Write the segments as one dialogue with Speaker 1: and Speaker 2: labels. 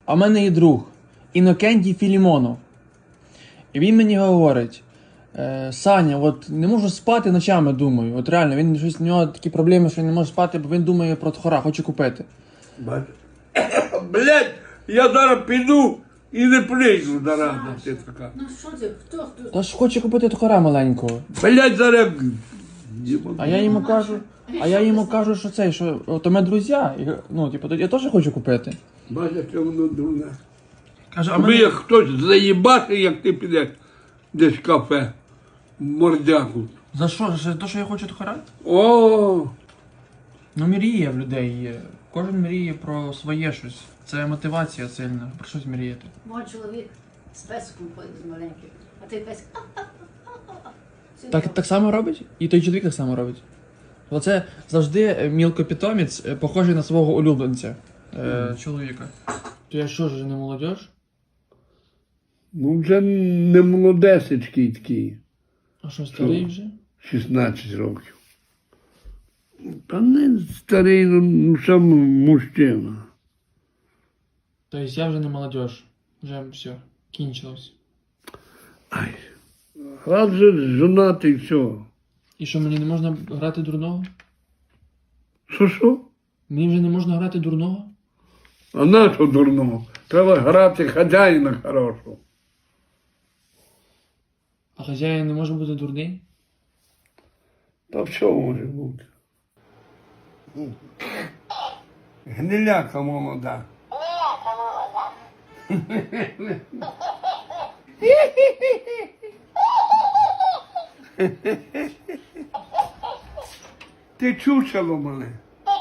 Speaker 1: А в мене є друг Інокентій Філімонов. І він мені говорить: Саня, от не можу спати ночами, думаю. От реально, він щось, у нього такі проблеми, що він не може спати, бо він думає про тхора, хоче купити.
Speaker 2: Блять, я зараз піду і не прийду зараза ти така.
Speaker 3: Ну що ти, хто?
Speaker 1: Та ж хоче купити тхора маленького.
Speaker 2: Блять, зараз...
Speaker 1: А я йому кажу, що цей, що от у мене друзі, ну, типу, я теж хочу купити.
Speaker 2: Бачиш, що воно дурне.
Speaker 1: Кажу,
Speaker 2: Аби як хтось заїбати, як ти підеш десь в кафе, мордяку.
Speaker 1: За що? За те, що я хочу тхора?
Speaker 2: О,
Speaker 1: Ну, мріє в людей є. Кожен мріє про своє щось. Це мотивація сильна, про щось мріяти.
Speaker 3: Мой чоловік з песиком ходить з маленьким, а той песик.
Speaker 1: Так само робить? І той чоловік так само робить. Оце завжди мілкопітомець, похожий на свого улюбленця чоловіка. То я що ж, не молодіж?
Speaker 2: ну вже не молодесечкий такий,
Speaker 1: А що, старий вже?
Speaker 2: 16 років. Та не старий, ну сам мужчина.
Speaker 1: Тобто я вже не молодіж. Вже все, кінчилось.
Speaker 2: Ай, раз же жонатий, все.
Speaker 1: І що, мені не можна грати дурного?
Speaker 2: Що?
Speaker 1: Мені вже не можна грати дурного?
Speaker 2: А на що дурного? Треба грати хазяїна хорошого.
Speaker 1: А хазяїн не може бути дурний?
Speaker 2: Та все може бути. Гниляка молода. Ти чучело мене.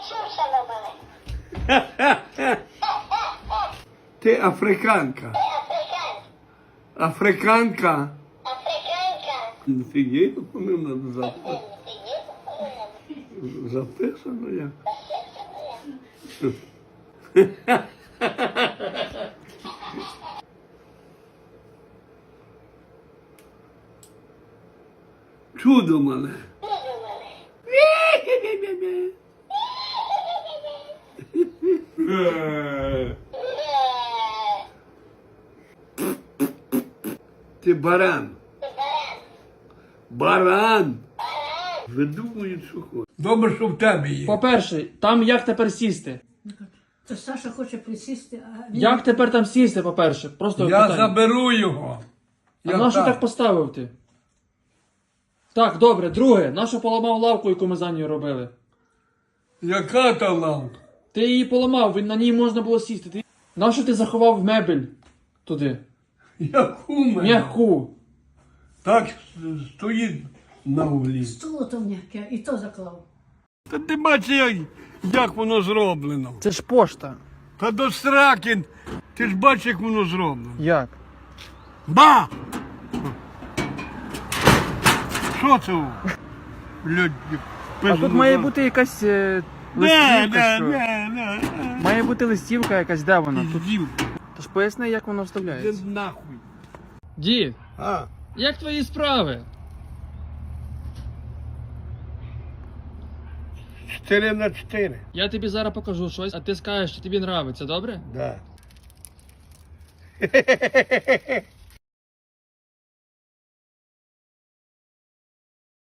Speaker 2: Ти африканка. Африканка. Фігей, вони надо записати. Записано як. Чудо мене. Ти баран. Баран. Видумують, що хочуть. Добре, що в тебе є.
Speaker 1: По-перше, там як тепер сісти?
Speaker 3: То Саша хоче присісти, а він...
Speaker 1: Як тепер там сісти, по-перше? Просто
Speaker 2: Я
Speaker 1: питання.
Speaker 2: заберу його.
Speaker 1: А нащо так поставив ти? Так, добре, друге, нащо поламав лавку, яку ми за нею робили?
Speaker 2: Яка та лавка?
Speaker 1: Ти її поламав, на ній можна було сісти. Нащо ти заховав мебель туди?
Speaker 2: Яку мене?
Speaker 1: М'яку.
Speaker 2: Так стоїть на углі.
Speaker 3: Стуло то м'яке, і то заклав.
Speaker 2: Та ти бачиш, як воно зроблено.
Speaker 1: Це ж пошта.
Speaker 2: Та до сраки, ти ж бачиш, як воно зроблено.
Speaker 1: Як?
Speaker 2: Ба! Що це? Люди,
Speaker 1: А тут має бути якась листівка, що?
Speaker 2: Не.
Speaker 1: Має бути листівка якась, де вона? Тут...
Speaker 2: Піздів.
Speaker 1: Тож поясни, як воно
Speaker 2: Де
Speaker 1: вставляється.
Speaker 2: нахуй.
Speaker 1: Дід,
Speaker 2: А,
Speaker 1: як твої справи?
Speaker 2: 4×4.
Speaker 1: Я тобі зараз покажу щось, а ти скажеш, що тобі подобається, добре?
Speaker 2: Да.